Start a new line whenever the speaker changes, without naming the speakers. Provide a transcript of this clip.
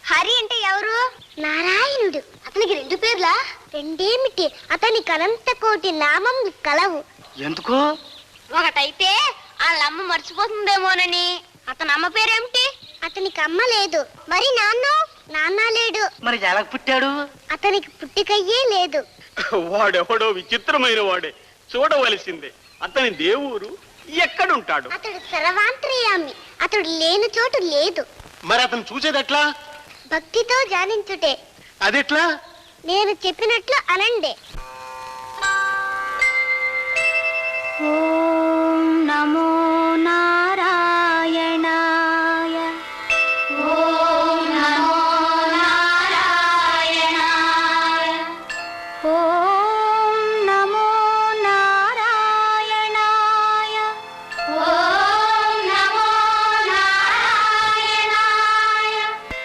హరి అంటే ఎవరు? నారాయణుడు. అతనికి 2 పేర్లా? రెండేమిటి, అతనికి అనంత కోటి నామం కలవు.
ఎందుకు?
ఒకటైతే వాళ్ళమ్మ మర్చిపోతుందేమోనని. అతని అమ్మ పేరేమిటి? అతనికి అమ్మ లేదు. మరి నాన్న లేడు.
మరి ఎలా పుట్టాడు?
అతనికి పుట్టికయ్యే లేదు.
వాడెవడో విచిత్రమైన వాడే, చూడవలసిందే. అతని దేవురు ఎక్కడుంటాడు?
అతడు సర్వాంతర్యామి. అతడు లేని చోటు లేదు.
మరి అతను చూసేది ఎట్లా?
భక్తితో ధ్యానించుటే.
అదెట్లా?
నేను చెప్పినట్లు అనండి. ఓం నమో